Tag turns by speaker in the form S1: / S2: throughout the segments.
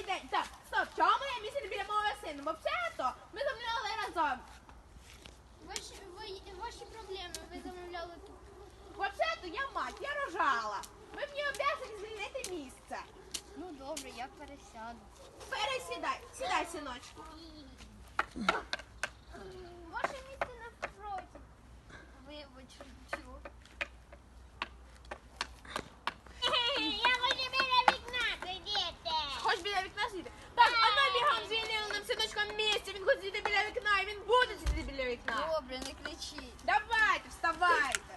S1: Добрий день. Так, стоп, чому моє місце біля мого сина? Взагалі-то ми замовляли разом.
S2: Ваші проблеми, ви замовляли тут.
S1: Взагалі-то я мать, я рожала. Ви мені обов'язані звільнити місце.
S2: Ну добре, я пересяду.
S1: Пересідай. Сідай, синочку.
S2: Ваше місце навпроти. Вибач, чого? Я хочу біля вікна сидіти.
S1: Хоч біля вікна сидіти? Так, а ну бігом звільнили нам синочком місце. Він хоче сидіти біля вікна, і він буде сидіти біля вікна.
S2: Добре, не кричіть.
S1: Давайте, вставайте.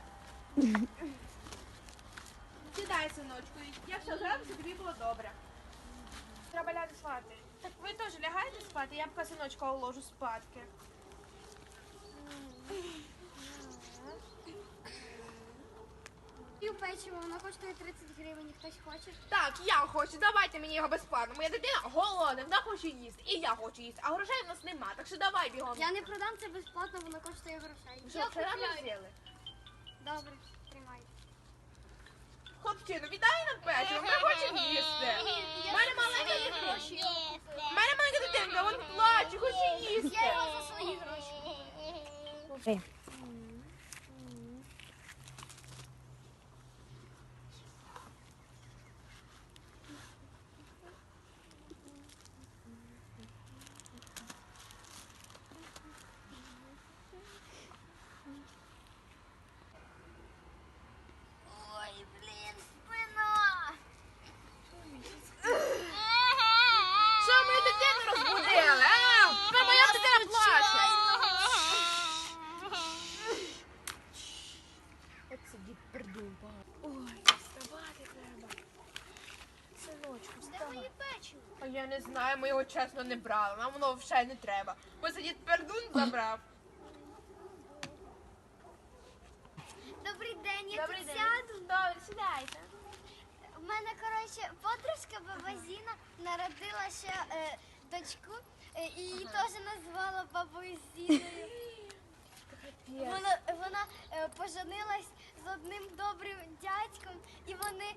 S1: Сідай, синочку. Я все зроблю, щоб тобі було добре. Треба лягти спати. Так ви теж лягаєте спати? Я б синочка уложу спадки.
S2: Пів печиво, воно коштує 30 гривень, хтось хоче?
S1: Так, я хочу, давайте мені його безплатно. Моя дитина голодна, вона хоче їсти. І я хочу їсти, а грошей в нас нема, так що давай бігом.
S2: Я не продам це безплатно, воно коштує грошей.
S1: Ви що, вчора не взяли?
S2: Добре, тримай.
S1: Хлопчину, віддай нам печиво, ми хочемо їсти. У мене маленька дитина. У мене маленька дитинка, вон плаче, хоче їсти.
S2: Я його за свої гроші. Ой, блін, спина!
S1: Що мою дитину розбудили? А? Та моя дитина плаче. От сидить придумала. Ой, вставати треба. Синочку,
S2: Де
S1: вставай.
S2: мої печиво?
S1: А я не знаю, ми його чесно не брали. Нам воно взагалі не треба. Бо сидить пердун забрав.
S2: Добрий день, я
S1: Добрий
S2: тут
S1: день.
S2: сяду.
S1: Добре, сідайте.
S2: У мене, коротше, подружка баба Зіна народила ще дочку і її теж назвала бабою Зіною. Вона поженилась з одним добрим дядьком, і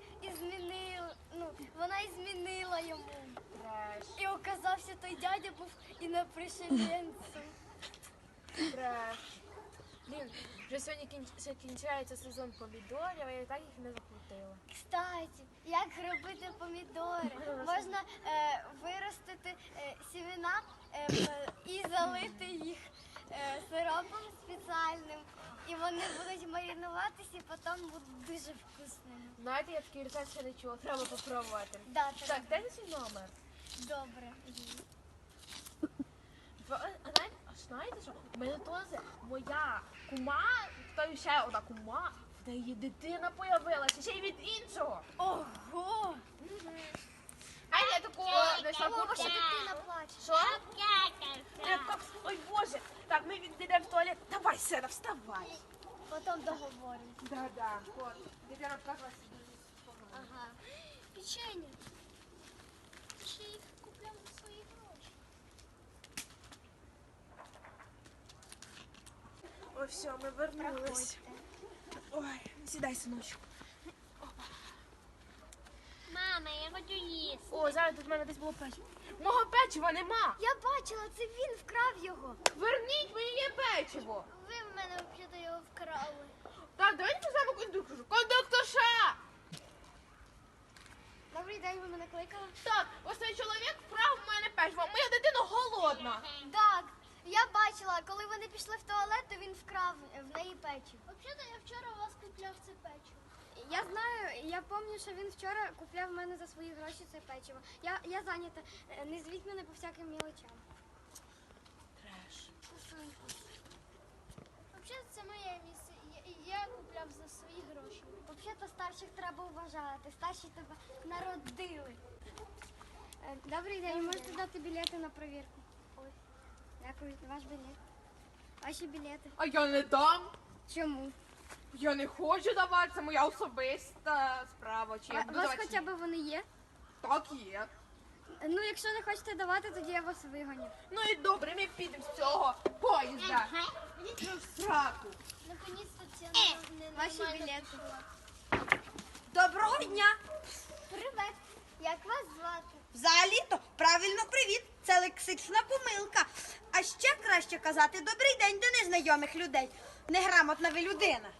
S2: вона і змінила йому.
S1: Треш,
S2: І оказався, той дядя був інопришеленцем.
S1: треш. Блін, вже сьогодні кінчається сезон помідорів, а я так їх не закрутила.
S2: Кстати, як робити помідори? Можна виростити сімена і залити їх сиропом спеціальним. І вони будуть маринуватися і потім будуть дуже вкусними.
S1: Знаєте, я такий рецепт ще не чула, треба попробувати.
S2: Да,
S1: Так, де свій номер?
S2: добре.
S1: Знаєте що? У мене теж моя кума, та ще одна кума, в неї дитина появилася, ще й від іншого.
S2: Ого!
S1: А я такого знайшла
S2: Ваша
S1: курсу.
S2: дитина плаче.
S1: Що? Ой, Боже. Так, ми підемо в туалет. Давай, Сена, вставай.
S2: Потім договоримо.
S1: Да. От, дитина плакалася дуже погано.
S2: Ага. Печення. Ще їх купляв за свої гроші.
S1: Ой, все, ми вернулись. Ой, сідай, синочку.
S2: Мама, я хочу їсти.
S1: О, зараз тут в мене десь було печиво. Мого печива нема.
S2: Я бачила, це він вкрав його.
S1: Верніть моє печиво.
S2: Ви в мене взагалі його вкрали.
S1: Так, давайте позовемо кондукторшу. Кондукторша!
S2: Добрий день, ви мене кликали?
S1: Так, ось цей чоловік вкрав в мене печиво. Моя дитина голодна.
S2: Так, я бачила, коли вони пішли в туалет, то він вкрав в неї печиво. Взагалі, я вчора у вас купляв це печиво. Я знаю, я пам'ятаю, що він вчора купляв в мене за свої гроші це печиво. Я зайнята, не звіть мене по всяким мілочам.
S1: Треш.
S2: Взагалі, це моє місце. Я купляв за свої гроші. Взагалі, старших треба вважати. Старші тебе народили. Добрий день, можете дати білети на перевірку? Ось. Дякую, ваш білет. Ваші білети.
S1: А я не дам.
S2: Чому?
S1: Я не хочу давати, це моя особиста справа. Чи я
S2: У
S1: буду
S2: вас
S1: давати?
S2: хоча б вони є?
S1: Так є.
S2: Ну, якщо не хочете давати, тоді я вас вигоню.
S1: Ну і добре, ми підемо з цього поїзда. Ну, в сраку.
S2: Наконець-то це ваші білети.
S3: Доброго дня!
S2: Привет. Як вас звати?
S3: Взагалі-то це лексична помилка. А ще краще казати «добрий день» до незнайомих людей. Неграмотна ви людина.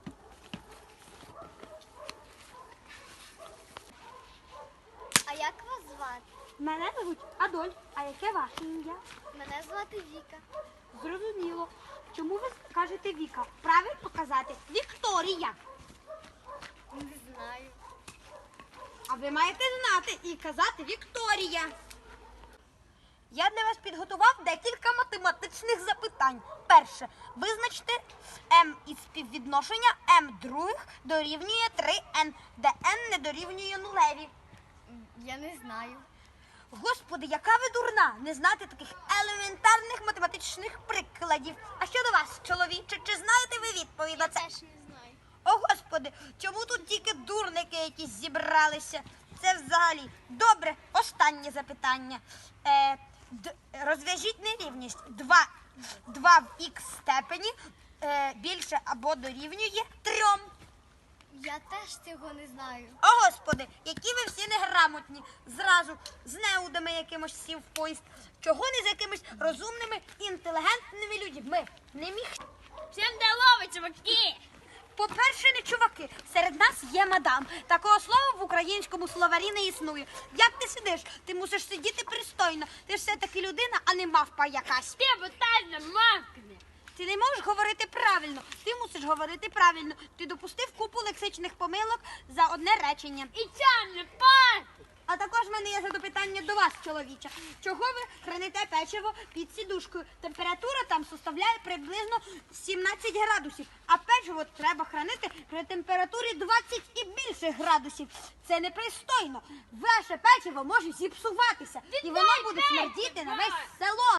S2: А як вас звати?
S3: Мене звуть Адольф. А яке ваше ім'я?
S2: Мене звати Віка.
S3: Зрозуміло. Чому ви кажете Віка? Правильно казати Вікторія.
S2: Не знаю.
S3: А ви маєте знати і казати Вікторія. Я для вас підготував декілька математичних запитань. Перше. Визначте m із співвідношення m других дорівнює 3n, де n не дорівнює нулеві.
S2: Я не знаю.
S3: Господи, яка ви дурна, не знати таких елементарних математичних прикладів. А щодо вас, чоловіче, чи знаєте ви відповідь на це?
S2: Теж не знаю.
S3: О, Господи, чому тут тільки дурники якісь зібралися? Це взагалі. Добре, останнє запитання. Розв'яжіть нерівність. 2 в х степені більше або дорівнює 3.
S2: Я теж цього не знаю.
S3: О, Господи, які ви всі неграмотні. Зразу з неудами якимось сів в поїзд. Чого не з якимись розумними, інтелігентними людьми? Не міг.
S1: Всім здорово, чуваки!
S3: По-перше, не чуваки, серед нас є мадам. Такого слова в українському словарі не існує. Як ти сидиш? Ти мусиш сидіти пристойно. Ти ж все-таки людина, а не мавпа якась.
S1: Ти бутальна мавкне!
S3: Ти не можеш говорити правильно. Ти мусиш говорити правильно. Ти допустив купу лексичних помилок за одне речення.
S1: І ця не пати!
S3: А також в мене є запитання до вас, чоловіча. Чого ви храните печиво під сідушкою? Температура там составляє приблизно 17 градусів, а печиво треба хранити при температурі 20 і більше градусів. Це непристойно. Ваше печиво може зіпсуватися, і воно буде смердіти на весь село.